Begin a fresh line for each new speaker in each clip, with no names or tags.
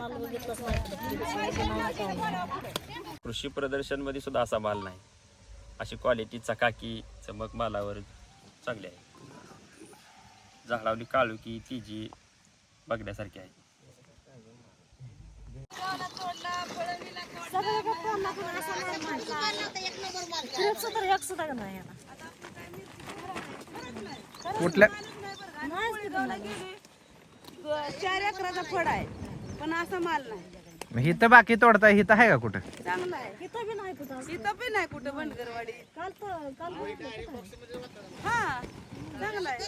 कृषी प्रदर्शन मध्ये सुद्धा असा माल नाही. अशी क्वालिटी चकाकी चमक मालावर चांगली आहे. झाडावली काळुकी तिजी बघण्यासारखी आहे.
कुठल्या
4 एकराचा फळ आहे पण असा माल नाही.
हिथं बाकी तोडता हिथं आहे का कुठं?
चांगला आहे. इथं बी नाही कुठं बंडगरवाडी. हा चांगला आहे.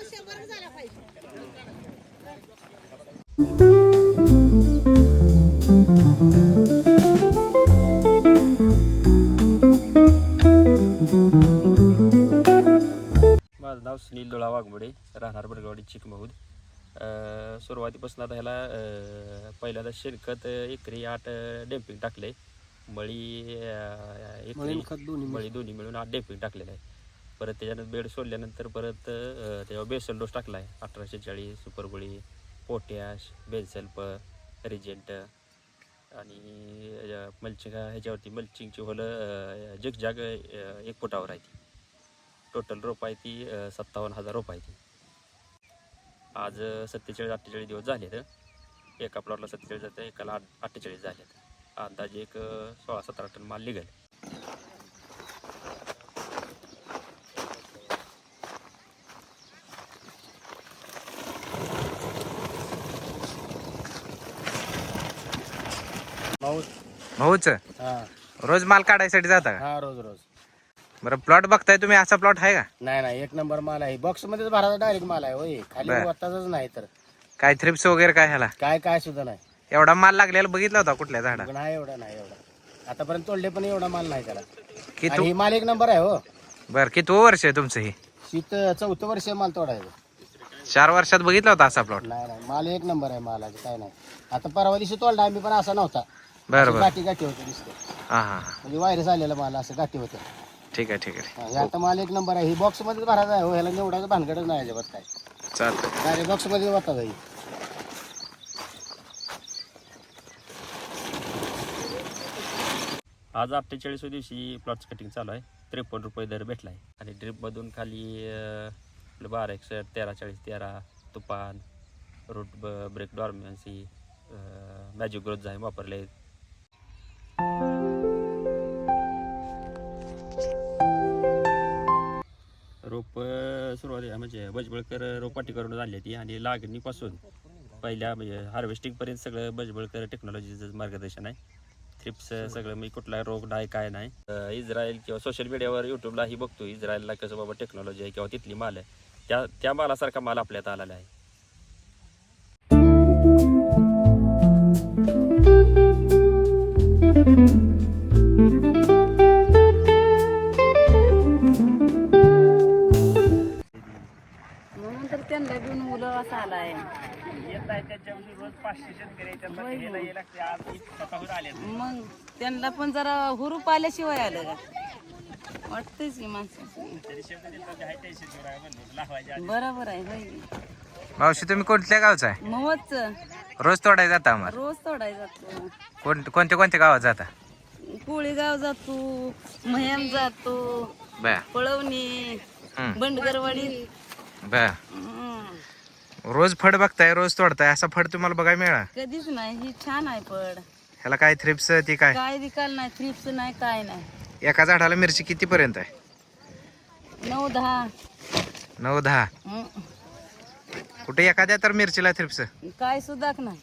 माझं नाव सुनील दोळा वाघमोडे, राहणार बडगवाडी चिकमहूद. सुरुवातीपासून आता ह्याला पहिल्यांदा शेणखत एकरी 8 डेम्पिंग टाकले. मळी एकरी मळी दोन्ही मिळून 8 डेम्पिंग टाकलेलं आहे. परत त्याच्यानंतर बेड सोडल्यानंतर परत त्याच्यावर बेसल डोस टाकला आहे. 1840 सुपरगोळी, पोटॅश, बेनसल्फ, रिजेंट आणि मल्चिंग ह्याच्यावरती मल्चिंगची होलं झिगझॅग 1 फुटावर आहे. ती टोटल रोप आहे ती 57,000 रोप आहे. ती आज 47-48 दिवस झाले. तर एका प्लॉटला 47 जातं, एकाला 48 झाले. अंदाजे एक 16-17 टन माल निघेल.
भाऊच रोज माल काढायसाठी जाता का?
हा रोज रोज.
बरं प्लॉट बघताय तुम्ही, असा प्लॉट आहे का?
नाही 1 नंबर माल आहे. बॉक्स मध्येच भरायचा डायरेक्ट माल आहे. होय खाली वताच नाही तर
काय थ्रिप्स वगैरे काय ह्याला?
काय सुद्धा नाही.
एवढा माल लागलेला बघितला होता कुठल्या झाडा?
नाही एवढा आतापर्यंत तोडले पण एवढा माल नाही त्याला.
की
आणि माल 1 नंबर आहे. हो
बर किती वर्ष आहे तुमचं हे?
शीत 4थं वर्ष माल तोडायचं.
4 वर्षात बघितला होता असा प्लॉट?
नाही माल 1 नंबर आहे. मालाचं काय नाही. आता परवा दिवशी तोडला आम्ही पण असा नव्हता.
बरं
गाठी होते दिसते.
हा हा
म्हणजे व्हायरस आलेला माल असं गाठी होते.
ठीक आहे.
हे आता माल 1 नंबर आहे. ही बॉक्स मध्ये भरायचा आहे. हो ह्याला निवडायचं भानगडच नाही अजिबात. काय
चालतं.
डायरेक्ट बॉक्स मध्ये होता जाईल.
आज 48व्या दिवशी प्लॉटचं कटिंग चालू आहे. 53 रुपये दर भेटला आहे. आणि ड्रिपमधून खाली 1261, 1340, 13 तुफान, root break dormancy, magic growth झाय वापरले. रोप सुरुवातीला म्हणजे बजबळकर रोपवाटी करून आणली ती. आणि लागणीपासून पहिल्या म्हणजे हार्वेस्टिंगपर्यंत सगळं बजबळकर टेक्नॉलॉजीचं मार्गदर्शन आहे. थ्रिप्स सगळं मी कुठला रोग नाही काय नाही. इस्रायल किंवा सोशल मीडियावर यूट्यूबलाही बघतो इस्रायलला कसं बाबा टेक्नॉलॉजी आहे किंवा तिथली माल आहे. त्या मालासारखा माल आपल्यात आलेला आहे.
म्हणून तर त्यांना बी मुलं असा आलाय. मग त्यांना पण जरा हुरूप आल्याशिवाय आलं का वाटतंच की माणसाचं. बरोबर आहे. होय
मावशी तुम्ही कोणत्या गावचा आहे?
मवच
रोज तोडायला जाता आम्हाला?
रोज तोडायला जातो.
कोणत्या गावात जाता?
कोळीगाव जातो, मह्याम जातो,
बया
पळवणी, बंडगरवाडी.
बया रोज फड बघताय, रोज तोडताय, असा फड तुम्हाला बघायला मिळाला?
कधीच नाही. ही छान आहे फळ.
ह्याला काय थ्रिप्स ती काय
विकाल नाही, थ्रिप्स नाही, काय नाही.
एका झाडाला मिरची किती पर्यंत आहे?
9-10.
9-10. कुठे एखाद्या तर मिरचीला थ्रिप्स
काय सुद्धा नाही.